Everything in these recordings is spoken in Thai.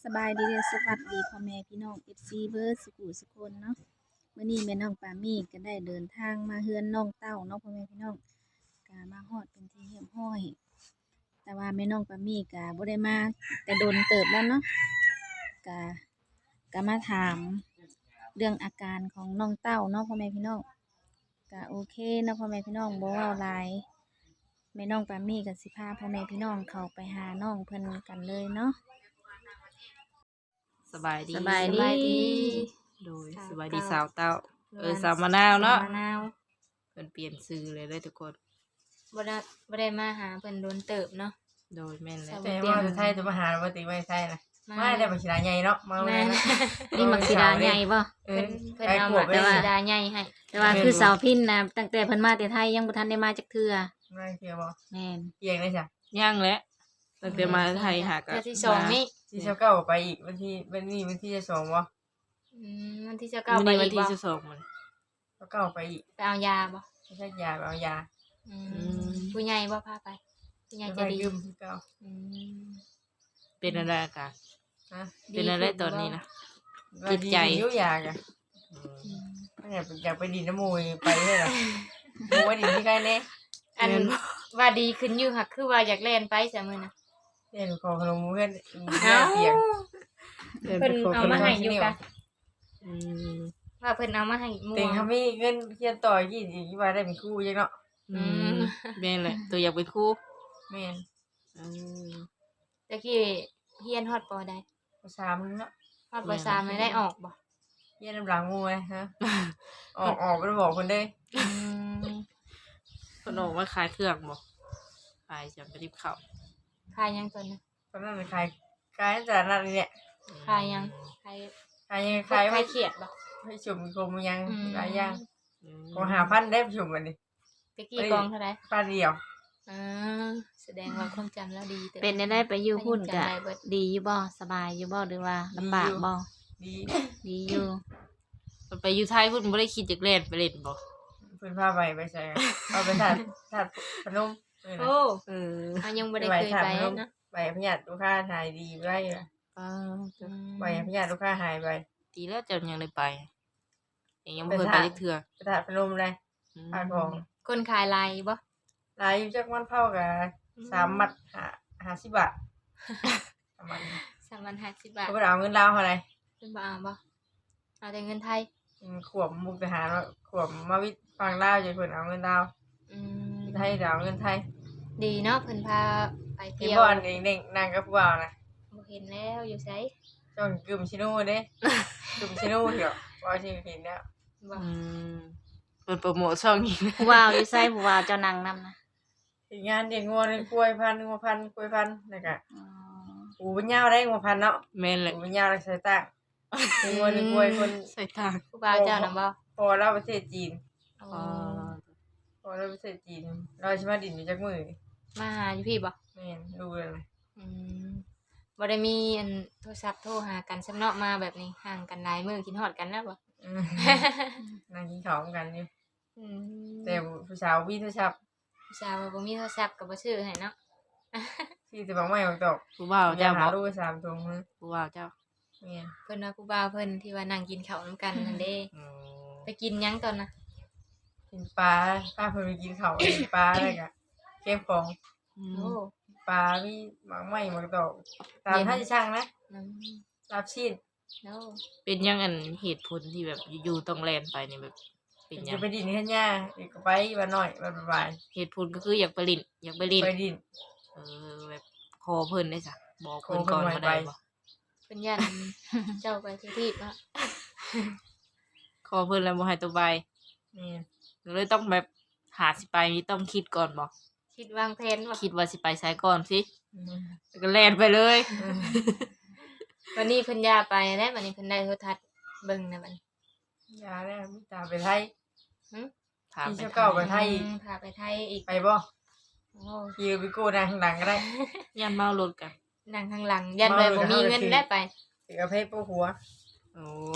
บายดีเด้อสวัสดีพ่อแม่พี่น้อง FC เบิร์ดสุขุสุคนเนาะมื้อนี้แม่น้องปามี่ก็ได้เดินทางมาเฮือนน้องเต้าเนาะพ่อแม่พี่น้องก็มาฮอดเป็นที่เรียบร้อยแต่ว่าแม่น้องปามี่ก็บ่ได้มาแต่โดนเติบแล้วเนาะก็ก็มาถามเรื่องอาการของน้องเต้าเนาะพ่อแม่พี่น้องก็โอเคเนาะพ่อแม่พี่น้องบ่เว้าหลายแม่น้องปามี่ก็สิพาพ่อแม่พี่น้องเข้าไปหาน้องเพิ่นกันเลยเนาะสบายดีสบายดีโดยสาวสบายดีเต้าสาวเต้าสาวมะนาวเนาะมะนาวเพิ่นเปลี่ยนชื่อเลยทุกคนบ่ได้มาหาเพิ่นโดนเติบเนาะโดยแม่นแล้วสาวแต่ว่าจะใช่จะมาหาปกติไม่ใช่นะไม่ได้บัญชีรายใหญ่เนาะมาแม่เลยนนะนี่มักสิดาใหญ่บ่เอเพิ่อนเอาขวมาบแต่ไม่ว่าได้ดาใหญ่ให้แต่ว่าคือสาวพินนะตั้งแต่เพิ่นมาแต่ไทยยังบ่ทันได้มาจักเทื่อไม่เกี่ยวบ่แม่นเกี่ยงเลยจ้ะย่างแล้วตั้งแต่มาไทยหากัเทื่อที่สองนี่ที่เช้าเก้าไปอีกวันที่จะสองวะวันที่จะเก้ามื้อไปนี้วัอีนกที่บ่ 12มันเช้าเก้าไปอีกไปเอายาบ่ไม่ใช่ยาเอายาผู้ใหญ่บ่พาไปผู้ใหญ่ไปจะดียืมที่เก้าอืมเป็นอะไรอาการนะเป็นอะไรตอนนี้นะจิตใจยุ่ยยากอะไม่อยากไปดินน้ำมูยไปเลยเหรอมูว่าดินที่ใกล้เน่อันว่าดีขึ้นอยู่ค่ะคือว่าอยากเล่นไปซะมื้อน่ะเล่นขอขนมเพื่อนเตียงเพิ่นเอามาให้อยู่กะอืมว่าเพิ่นเอามาให้หมู่เตียงเขามีเงินเคียนต่อยี่สิบว่าได้เป็นคู่ยังเนาะอืมแม่นแหละตัวอยากเป็นครูแม่นอืมตะกี้เฮียนฮอดปอได้ภาษามเนาะฮอดปสามไม่ได้ออกบ่เยี่ยน้ำหลังงูไหมฮะ ออกไปบอกคนได้อืมเพิ่นออกมาขายเครื่องบ่ขายจังไปริบข้าวขายยังตอนนั้นตอนนั้นเป็นใครขายจากนั้นเนี่ยขายยังขายขายยังขายขายไม่เขียดบ่ให้ชุมกลมยังอืมหลายอย่างอืมก็1,500ได้ชุมกันดิตะกี้กองเท่าไหร่ป้าเดียวอ่าแสดงว่าความจำแล้วดีแต่เป็นได้ไปอยู่หุ้นก็จำได้เบิดดีอยู่บ่สบายอยู่บ่หรือว่าลำบากบ่ดีดีอยู่มันไปอยู่ไทยเพิ่นบ่ได้คิดจะเล่นไปเล่นบ่เพื่อนพาไปใส่เอาไปถัดพนมโอ้เอออันยังบ่ได้เคยไปนะไปพญาติลูกค้าหายดีไรป้าไปพญาติลูกค้าหายไปดีแล้วจะยังได้ไปยังบ่เคยไปจักเทื่อไปถัดพนมเลยพาของคนขายลายบ่ลายอยู่จากวันเผากับ3 มัด50 บาทประมาณ 3,050 บาทเขาไปเอาเงินดาวเท่าไหร่เพิ่นบ่เอาบ่เอาแต่เงินไทยขวบมุกทหารว่าขวบมาวิฟังลาวจะเพิ่นเอาเงินดาวอืมไทยเดี๋ยวเอาเงินไทยดีเนาะเพิ่นพาไปเห็นเที่ยวบ่อนเด็กๆนางกับผู้บ่าวนะบ่เห็นแล้วอยู่ไสจ้องกึมชิโน่เด้ กึมชิโน่เดี๋ยวว่าที่เห็นแล้วบ่อืมเปิดโปรโมทช่องอีกผู้ว่าวอยู่ไสผู้ว่าวเจ้านั่งนํนะเฮ็ดงานเด็กงัวกล้วยพันงัวพันกล้วยพันแล้วก็อ๋อปูเป็นยาวได้งัวพันเนาะแม่นแหละปูเป็นยาวได้ใส่ตั้งเด็กงัวกล้วยคนใส่ทางผู้บ่าวเจ้าน่ะบ่พอเราประเทศจีนอ๋ออ๋อพอเราประเทศจีน เราสิมาดินอยู่จักมื้อนี่มาหาอยู่พี่บ่แม่นดูเลยอืมบ่ได้มีอันโทรศัพท์โทรหากันสำเนาะมาแบบนี้ห่างกันหลายมื้อกินฮอดกันนะบ่อืมนั่งกินข้าวกันอยู่อืมแต่ผู้สาววิโทรศัพท์ผู้สาวว่าบ่มีโทรศัพท์ก็บ่ซื้อให้เนาะที่จะบอกไม่ออกดอกผู้บ่าวจะเจ้าหาบ่ลูก3ถุงนึงผู้บ่าวเจ้าแม่นเพิ่นว่าผู้บ่าวเพิ่นที่ว่านั่งกินข้าวนํกันนั่นเด้อืมไปกินหยังตอนน่ะกินปลาป้าเพิ่นไปกินข้าวกินปลาอะไรกะเก็บของอืโอ้มปลามีหมากไหม้หมากดอกตามท่าจะช่างนะน้ำรับชีดโอ้เป็นยังอันเหตุผลที่แบบอยู่ๆต้องแล่นไปนี่แบบเป็นยัจะงไปดินขึ้นหญ้าอีกก็ไปวันหน่อยวันบ่ายเหตุผลก็คืออยากไปลินอยากไปลินไปดินเออแบบคอเพิ่นได้จ้ะบอกเพิ่นขอเพิ่ก่อน นไว้ก็ได้ไปบ่เพิ่นยัน เจ้าไปทุกที่เนาะคอเพิ่นแล้วบ่ให้ตัวใบนี่เลยต้องแบบหาสิไปนี่ต้องคิดก่อนบ่คิดวางแผนว่าคิดว่าสิไปไสก่อนสิอืมแล้วก็แล่นไปเลยวันนี้เพิ่นยาไปแล้ววันนี้เพิ่นได้โทรทัศน์เบิ่งนะบัดนี้ยาแล้วมีตาไปไทยหึถามพี่ไปเจ้าเก่าไปไทยพาไปไทยอีกไปบ่โอ้ขี่ไปกู้นางข้างหลังก็ได้ย่านเมารถกันนั่งข้างหลังยันไปบ่มีเงินได้ไปถือกระเพาะปูหัวโอ้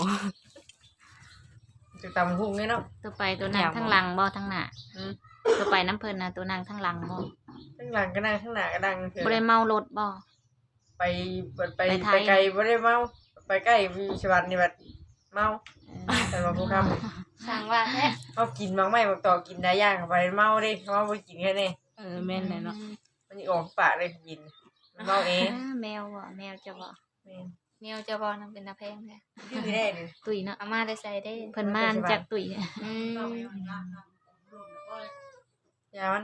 จะตำหุ่งเนี่ยเนาะตัวไปตัวนั่งทั้งหลังบ่ทั้งหน้าอืมตัวไปน้ำเพิ่นน่ะตัวนั่งทั้งหลังบ่ข้างหลังก็นั่งข้างหน้าก็นั่งเถบ่ได้อะเมารถบ่ไปไปไกลบ่ได้เมาไปใกล้วิชวัตนี่บัดเมาแต่ว่าผู้คำสร้างว่าแท้เอากินบางไม่บางต่อกินได้ยากเข้าไปเมาเด้เมาบ่กินแค่นี้แม่นแหละเนาะมันสิออกปากเลยกินเมาเองแมวบ่แมวจะบ่แม่นแมวจะบ่นำเป็นตาแพงแท้ดื้อได้เลยตุยเนาะเอามาได้ใส่ได้เพิ่นมาจากตุยอืมยามัน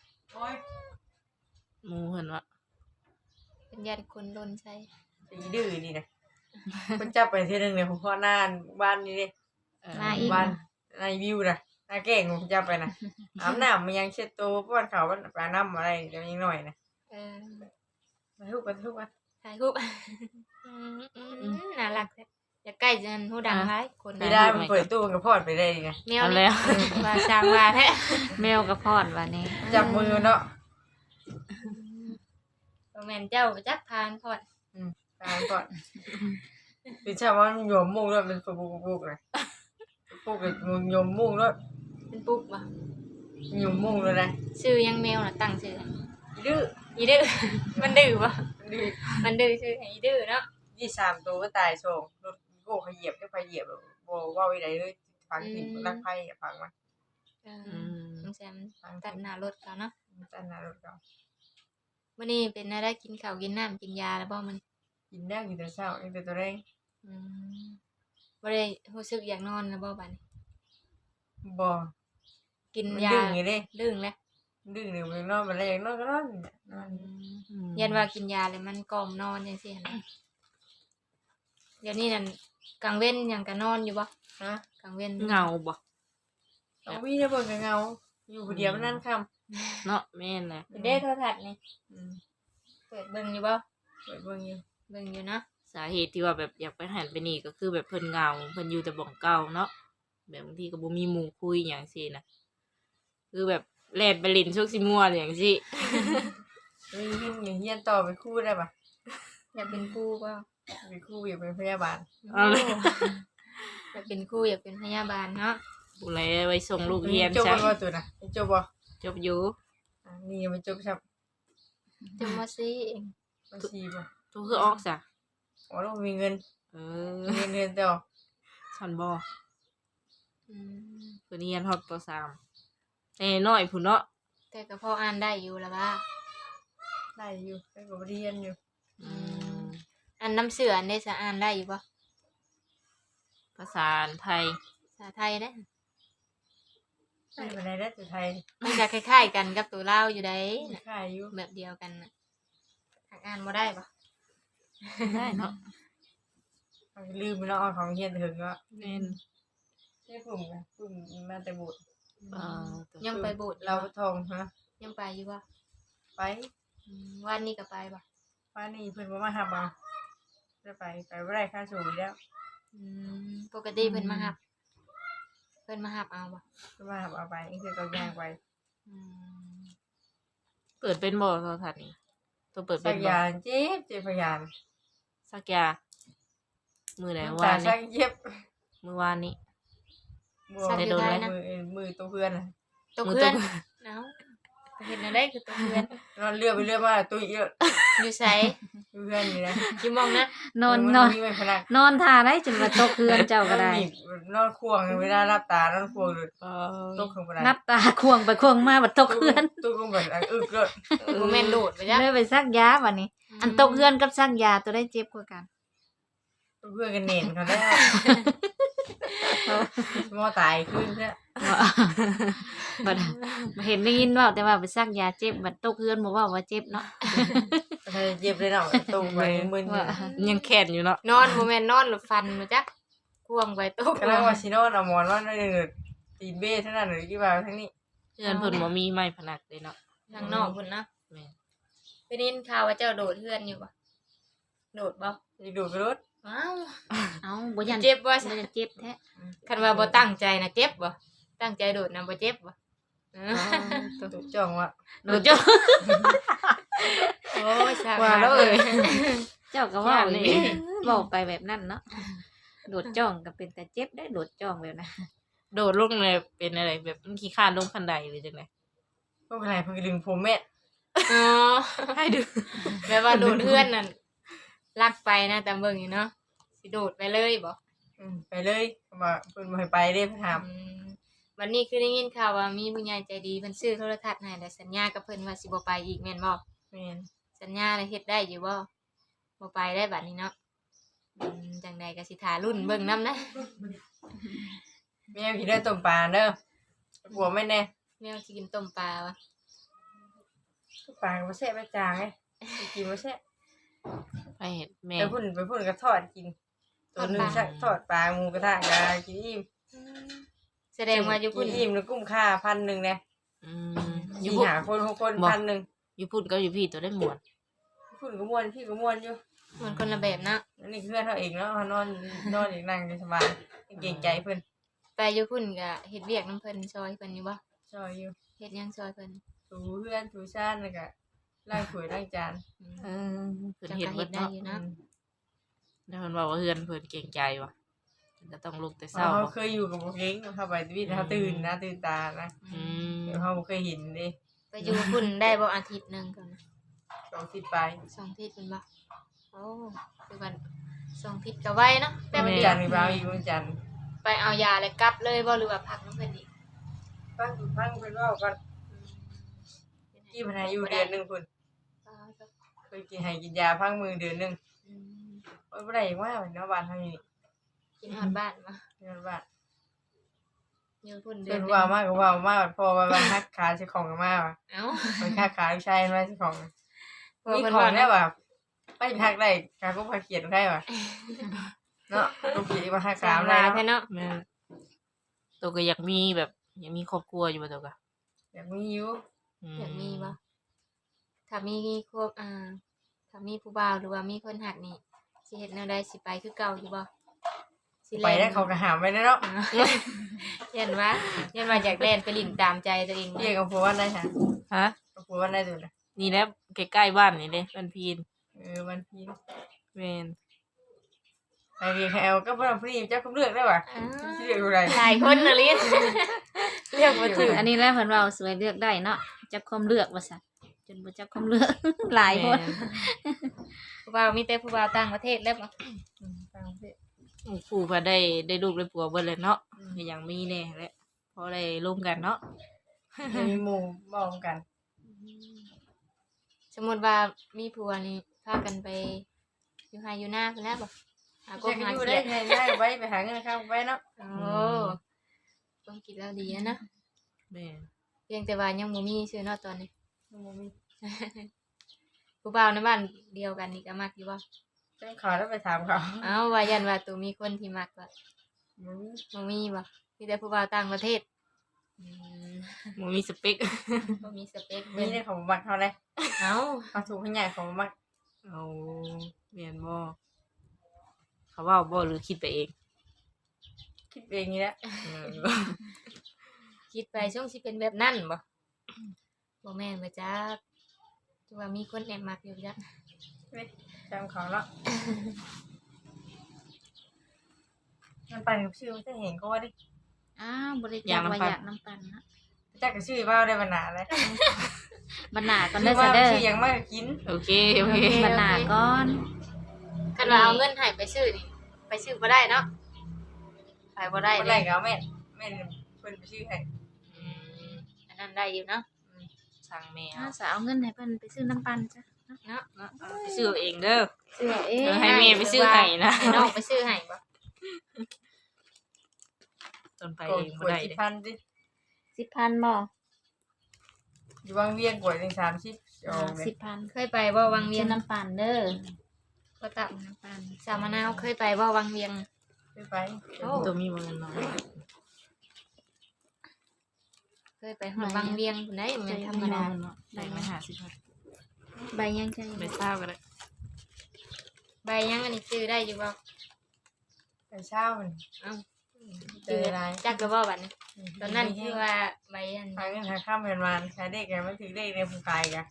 หมู่เพิ่นว่าเป็นญาติคนโดนใส่สีดื้อนี่นะมันจับไปเทื่อนึงเนี่ยผมพ่อหน้าบ้านนี่เด้มาอีกบ้านในวิวนะนาเก่งผมจับไปนะอาบน้ำมันยังเช็ดตัวป้อนเขาวปลาน้ำอะไรเดี๋ยวยังหน่อยนะเออมาทุกวันทุกวันถ่ายรูปน่ารักแท้อย่าใกล้จนหูดังหลายคนไม่ได้มันเปิดตู้มันก็พอดไปได้ไงแมวเอานี่แล้วว่าสร้างว่าแท้แมวกับพอดว่านี่จับมือเนาะบ่แม่นเจ้าไปจักทานพอดตามก่อนคือชาวว่ามันโยมมุ่งด้วยมันปุกเลยปุกเลยมันโยมมุ่งด้วยเป็นปุ๊บบ่โยมมุ่งเลยนะชื่อยังแมวน่ะตั้งชื่อให้ดื้ออีดื้อ มันดื้อบ่ดื้อมันดื้อชื่อให้อีดื้อเนาะ 23ตัวก็ตายโชงรถโก้ขเหยียบได้ไปเหยียบบ่ว่าไว้ไหนเลยฟังถิ่นรักไพ่ฟังมันเออือมน้องแซมตัดหน้ารถเขาเนาะตันหน้ารถเขามื้อนี้เป็นอะไรกินข้าวกินน้ำกินยาแล้วบ่มันกินได้กินแต่เช้ากินแต่ตัวแรงอืมบ่ได้รู้สึกอยากนอนแล้วบ่บัดนี้บ่กินมันยาดึงอย่างนี้ดึงแล้วดึงหนึ่งมันนอนมาแรงนอนก็นอนนอนยันว่ากินยาแล้วมันกล่อมนอนจังซี่หั่นนะเดี๋ยวนี้นั่นกลางเว้นหยังก็นอนอยู่บ่ฮะกลางเว้นเหงาบ่เอาวิ่งได้เบิ่งเงาอยู่คนเดียวมันนั่นค่เนาะแม่นแหละเด้โทรทัศน์นี่ำเปิดเบิ่งอยู่บ่เปิดเบิ่งอยู่เบิ่งอยู่เนาะสาเหตุที่ว่าแบบอยากไปหันไปนี่ก็คือแบบเพิ่นเหงาเพิ่นอยู่แต่บ่องเก่าเนาะแบบบางทีก็บ่มีหมู่คุยหยังซี่นะคือแบบแล่นไปเลินชุกสิม่วนอย่างซี่เฮ้ยอย่างเฮียนต่อไปคู่ได้ปะอยากเป็นครูบ่ไปคู่อยากเป็นพยาบาลเอาเลยอยากเป็นครูอยากเป็นพยาบาลเนาะผู้ใดไว้ส่งลูกเรียนจบซะบ่ตัวน่ะจบบ่จบอยู่นี่มันจบครับจำว่าซี่เองบัญชีบ่ทุกคือออกซะอ๋อต้องมีเงินเออเงินต่อฉันบ่อืมเพิ่นเรียนฮอดป .3 แต่น้อยพุ่นเนาะแต่ก็พออ่านได้อยู่แล้วว่าได้อยู่ได้ก็เรียนอยู่อืมอันน้ำเสืออันได้สะอ่านได้อยู่บ่ภาษาไทยภาษาไทยเด้ได้ปานใดได้แต่ไทยมันจะคล้ายๆกันกับตัวลาวอยู่ได้ค่ายอยู่แบบเดียวกันน่ะหากอ่านบ่ได้บ่ได้เนาะลืมไปแล้วเอาของเฮียนถึงก็แม่นใช่ปุ่มนะปุ่มมาแต่บุตรเอ่อยังไปโบสถ์เราทองฮะยังไปอยู่บ่ไปวันนี้ก็ไปบ่ป้านี่เพิ่นบ่มาหับเอาจะไปบ่ได้ค่าสูงแล้วปกติเพิ่นมารับเพิ่นมารับเอาบ่เพิ่นมาหับเอาไปนี่คือก็ย่างไปอืมเปิดเป็นบ่โทรทัศน์นี่ตัวเปิดเป็สันกบ่ยานเจ็บพยานสักยามือไหนน้ำวาตาน สันี้กเย็บมือวานนี้บัวมือตัวเพื่อนตัวเพื่อนเอ้าเห็นอะไรคือตัวเพื่อนนอนเรือไปเรือมาตุ้ยเยอะอยู่ไสเพื่อนนี่นะอยู่หมองนะนอนมีไว้พนักนอนท่าได้จนว่าตกเพื่อนเจ้าก็ได้นอนควงเวลารับตานอนควงเลยเออตกข้างบนนับตาควงไปควงมาบัดตกเพื่อนตกลงแบบอึกเลยบ่แม่นโดดไปจ้ะเลยไปซักยาบัดนี้ อันตกเพื่อนกับซักยาตัวได้เจ็บกว่ากันเพื่อนกันเน่นเขาแล้วมอตายขึ้นเนี่ยบัดเห็นได้ยินว่าแต่ว่าไปซักยาเจ็บบัดตกเพื่อนบ่ว่าว่าเจ็บเนาะเจ็บเลยเนาะตูไปมึนว่ายังแข็งอยู่เนาะนอนบ่แม่นนอนหรือฟันบ่จ๊ะควงไปตกกำลังว่าชิโน่เอาหมอนว่าได้เลยตีนเบ้ทั้งนั้นเลยที่ว่าทั้งนี้เพื่อนเพิ่นบ่มีไม้พนักเลยเนาะทางนอกพุ่นเนาะแม่นไปได้ยินข่าวว่าเจ้าโดดเฮือนอยู่บ่โดดบ่จะดูกรถว้าวเอ้าบ่ยันเจ็บบ่บ่ยันเจ็บแท้คันว่าบ่ตั้งใจนะเจ็บบ่ตั้งใจโดดนะบ่เจ็บบ่ตุจ่องว่ะโดดเจ้าโอ้ยสาว่าแล้วเอ้ยเจ้าก็เว่าย่านนี่นี่เว้าไปแบบนั้นเนาะโดดจ้องก็เป็นแต่เจ็บได้โดดจ้องแบบนั้นโดดลงเลยเป็นอะไรแบบมันขี้ข้านลงคันไดหรือจังได๋พวกอะไรเพิ่งดึงผมแม่อ๋อให้ดูแม่ว่าโดดเฮือนนั่นลักไปนะแต่เบิ่งอยู่เนาะสิโดดไปเลยบ่ไปเลยว่าเพิ่นบ่ให้ไปเด้เพิ่นถามอืมวันนี้คือได้ยินข่าวว่ามีผู้ใหญ่ใจดีเพิ่นซื้อโทรทัศน์ให้แล้วสัญญากับเพิ่นว่าสิบ่ไปอีกแม่นบ่แม่นสัญญาแล้วเฮ็ดได้อยู่บ่บ่ไปได้บัดนี้เนาะจังใดก็สิท่ารุ่นเบิ่งนํนะแม่พี่ได้ต้มปลาเด้อผัวไม่แน่แมวสิกินต้มปลาวะปลาบ่แซ่บไปจางไงไปกินบ่แซ่บไปเห็นแม่ไปพุ่นก็ทอดกินตัวหนึงชักทอดปลาหมูกระทะก็กินอิ่มแสดงว่าอยู่กิพุ่นนอิ่มแล้วกุ้มค่า1,000เนี่ยอืมอสิยู่พุ่นหาคน6คนบ่ 1,000 อยู่พุ่นก็อยู่พี่ตัวได้หมวดพุ่นก็ม่วนพี่ก็ม่วนอยู่มันคนละแบบเนาะอันนี้คือเพื่อนเขาเองเนาะเขานอนอีกนั่งสบายเก่งใจเพิ่นไปอยู่พุ่นก็เฮ็ดเวียกนํเพิ่นซอยเพิ่นอยู่บ่ซอยอยู่เฮ็ดหยังซอยเพิ่นถูเพื่อนถูชาติแล้วก็ล้างถ้วยล้างจานเออเพิ่นจังเห็นก็เบิเฮ็ดดได้เนาะอยู่เนาะแล้วเพิ่นบอกว่าเฮือนเพิ่นเก่งใจว่ะเพิ่นก็ต้องลุกแต่เช้าเขาบ่เคยอยู่กับบ่เก่งเข้าไปวิทย์เขาตื่นนะตื่นตานะอืมเดี๋ยวเขาบ่เคยเห็นเด้ไปอยู่พุ่นได้บ่อาทิตย์หนึงก่อนนะ 20ไป 2อาทิตย์เพิ่นบ่โอ้คือว่า2อาทิตย์ก็ไวเนาะแป๊บวันเดียจัวนทร์มีบ่าวอีกวันจันทร์ไปเอายาแล้วกลับเลยบ่หรือว่าพักนํเพิ่นอีกฟังเพิ่นเว้ากันกี่พนายอยู่เดือนหนึงพุ่นเคยกินให้กินยาพังมือเดือนหนึงอืมโอ้ยบ่ได้ว่าเนาะบ้านเฮานี่กินฮอดบ้านบ่เดือนบ้านอยู่พุ่นเดืเพิ่อนนหนึ่งว่ามากก็ว่ามาพอว่าฮักขาสิของกันมาว่ะเอ้ามันฮักขาลูกชายมาสิของเพราะมีเพิ่นของว่าได้ป่ะไปทักได้การก็พาเขียนได้ป่ะเนาะลูกเขียนมาทักสาสาม มลาได้แท้เนาะแม่ตัวก็อยากมีแบบอยากมีครอบครัวอยู่บ่ตัวก็อยากมีอยู่อยากมีบ่ถ้ามีครบถ้ามีผู้บ่าวหรือว่ามีคนหักนี่สิเฮ็ดแนวใดสิไปคือเก่าอยู่บ่สิไปได้เขากระหามไปได้เนาะเห็นว่าอยากเล่นไปลิ่นตามใจตัวเองเรียกกับผัววันได้ค่ะฮะกับผัววันได้ดูนะนี่แหละใกล้ๆบ้านนี่เด้มันพีนวันพีนแม่นไอเรียกแอลก็พอพี่เจ้าก็เลือกได้ป่ะเลือกอะไรหลายคนน่ะลิ้นเลือกบ่ถูกอันนี้แหละเพิ่นเว้าสวยเลือกได้เนาะจักความเลือกว่าซั่นจนบ่จักความเลือก หลายคนแม่ผู้บ่าวมีแต่ผู้บ่าวต่างประเทศแล้วบ่ต่างประเทศผู้พาได้ลูกได้ผัวเบิดเลยเนาะก็ยังมีแน่แหละพอได้ร่วมกันเนาะมีหมู่มองกันสมมุติว่ามีผัวนี่พากันไปอยู่ไห้อยู่หน้าพุ่นแล้วบ่หาจะหาอยู่เขีได้ยดไงได้ไว้ไปหาเงินข้าวไว้เนาะโอ้ต้องคิดแล้วดีนะแม่นเพียงแต่ว่ายังบ่มีชื่อเนาะตอนนี้บ่มีผู้บ่าวในบ้านเดียวกันนี่ก็มักอยู่บ่เจ้าขอแล้วไปถามเขาเอ้าว่ายันว่าตัวมีคนที่มักว่าบ่มีบ่มีบ่มีแต่ผู้บ่าวต่างประเทศอืมบ่มีสเปคบ่มีสเปคมีเบิ่งได้ของมักเขาเลยเอ้าเขาถูกให้ใหญ่ของมักเอาแม่นบ่เขาเว้าบ่หรือคิดไปเองคิดเองนี่แหละเออคิดไปช่วงสิเป็นแบบนั้นบ่บ่แม่นบ่จักจังว่ามีคนแอบมักอยู่จักจำเขาแล้วมันปั่นกับชื่อมันจะเห็นก็ว่าดิอ้าวบ่ได้จักว่าอยากน้ำปั่นเนาะจักกับชื่อเบ้าได้บรรณาเลยบัดหน้าก่อนชื่เด้ออว่าซะเด้อชื่อยังมากกินโอเคโอเคบัดหน้าก่อนคันว่าเอาเงินให้ไปซื้อนี่ไปซื้อบ่ได้เนาะไปบ่ได้คนเลแรยกเอาแม่เพิ่นไปชื่อให้อืมอันนั้นได้อยู่เนาะสั่งแม่ถ้าเอาสาวเอาเงินให้เพิ่นไปซื้อน้ำปั่นจ้ะเนาะไปซื้อเอาเองเด้อซื้อเอาเองให้แม่ไปซื้อให้นะให้น้องไปซื้อให้บ่ตนไปกเองกบ่วยได้ที่เด้พันดิ 10,000บ่อยู่วางเวียงกวยถึง30จองเลย 10,000 เคยไปบ่วังเวีซื้ยอง น้ำปั่นเด้อก็ตับน้ำปั่นสามมะนาวเคยไปบ่วังเวียงไปโอ้ตัวมีบ่เงินน้อยเคยไปฮอดวังเวียงพุ่นได้เหมือนธรรมดาเนาะได้ไหม50บาทใบยังใจไปเศร้าก็ได้ใบยังอันนี้ซื้อได้อยู่บ่ไปเช้ามันเอ้าเจออะไรจักก็บ่บัดนี้ตอนนั้นคือว่าใบอันหาเงินหาข้ามเงินมาขายเด็กไงมันถือเด็กในผู้ขายกัน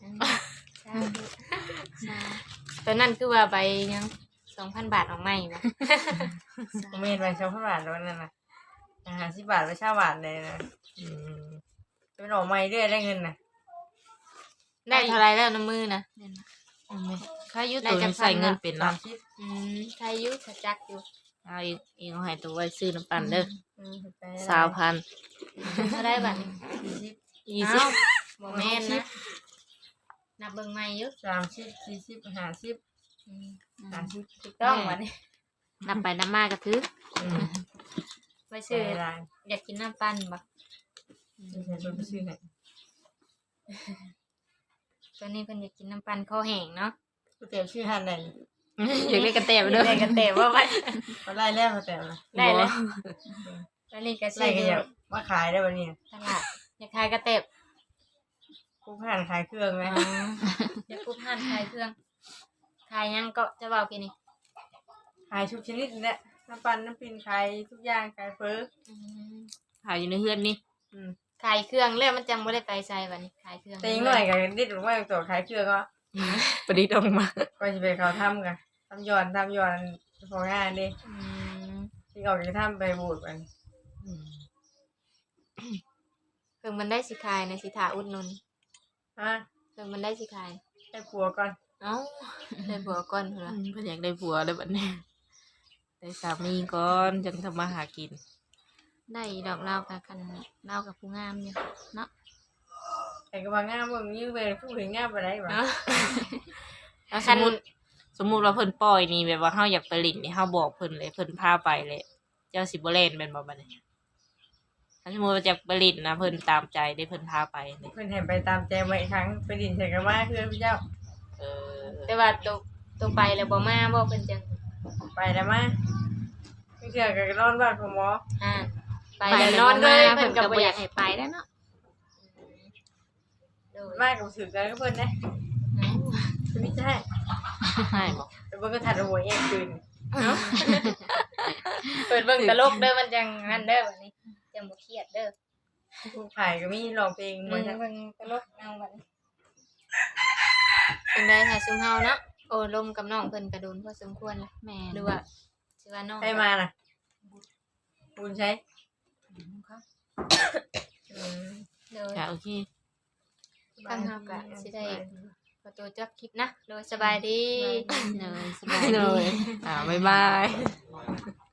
ตอนนั้นคือว่าใบยัง 2,000 บาทออกใหม่บ่ผมเห็นไปเช้าพันบาทแล้วนั่นนะ50 บาทไปเช้าบาทเลยนะอืมเป็นออกใหม่เรื่อยได้เงินนะได้เท่าไหร่แล้วน้ำมือนะเด่นนะไค่าอยู่ตัวนี้ใส่เงินเป็นเนาะใครอยู่ถ้าจักอยู่เอาอีกเอาให้ตัวไว้ซื้อน้ำปั่นเด้อไป 20,000 เท่าได้บัดนี้ 20 อ้าวบ่แม่นนะนับเบิ่งใหม่อยู่ 30 40 50 อืม 30 ถูกต้องบัดนี้นับไปนับมาก็ถือไปซื้ซื้อออะไรอยากกินน้ำปั่นบ่ซื้อให้เพิ่นไปซื้อให้ตอนนี้เพิ่นอยากกินน้ำปั่นคอแห้งเนาะก๋วยเตี๋ยวชื่อหันไหนอยากได้กระแตไปเด้อได้กันแต่ว่าไปเขาไล่แล้วเขาแต่ละได้เลยตอนนี้ก็ไล่ซื้อกันอย่างมาขายได้วันนี้ตลาดอยากขายกระเต็บกูผ่านขายเครื่องไหมอยากกุ๊บห่านขายเครื่องขายหยังก็จะเบากินนี่ขายทุกชนิดนี่แหละน้ำปั่นน้ำปิ่นขายทุกอย่างขายเฟอขายอยู่ในเฮือนนี่ขายเครื่องแล้วมันจังบ่ได้ไปใส่บัดนี้ขายเครื่องแต่ยังหน่อยกันนิดหรือว่าตัวขายเครื่องก็ประดิษฐ์ออกมาก็จะไปเขาทำกันทำย้อนพองานดิอืมที่ออกจากถ้ำไปบูดมันเครื่องมันได้สิขายในสิถาอุดหนุนฮะเครื่องมันได้สิขายให้ผัวก่อนเอ้าได้ผัวก่อนพุ่นล่ะเพิ่นอยากได้ผัวเลยบัดนี้ได้สามีก่อนจังทำมาหากินได้ดอกลาวกับคันลาวกับผู้งามอยู่เนาะแต่ก็ว่างามมึงยิ่งเป็นผู้หญิงงามไปได้หรอเนาะแล้วสมมุติว่าเพิ่นปล่อยนี่แบบว่าเฮาอยากไปลิ้นนี่เฮาบอกเพิ่นเลยเพิ่นพาไปเลยเจ้าสิบ่เล่นแม่นบ่บัดนี้ถ้าสมมุติว่าจะไปลิ้นนะเพิ่นตามใจได้เพิ่นพาไปเลยเพื่อนเห็นไปตามใจมาอีกครั้งไปดินใส่กันว่าเพื่อนพี่เจ้าเออแต่ว่าตัวไปแล้วบ่มาบ่เพิ่นจังไปแล้วมาไม่เชื่อกันนอนบ้านของหมออ่าไปแล้วนอนเลยเพิ่นก็บ่อยากให้ไปแล้วเนาะโดยบ้านกับสื่อกันก็เพื่อนนะจะไม่ใช่ให้บ่แต่เพื่อนก็ถัดหัวเองคืนเปิดเบิ่งตลกเด้อมันจังนั่นเด้อบัดนี้จังบ่เครียดเด้อผู้ขายก็มีร้องเพลงเบิ่มาง จากเบิ่งตลกเอาบัดนี้เป็นได้ค่ะซุมเฮาเนาะโอ้ลมกับน้องเพิ่นกระโดนพอสมควรแล้วแม่หรือว่าสิว่าน้องใครมาน่ะบุญใช้โดยค่ะโอเคทางเฮาก็สิได้ขอตัวจบคลิปนะโดยสบายดีเลยสบายดีบ๊ายบาย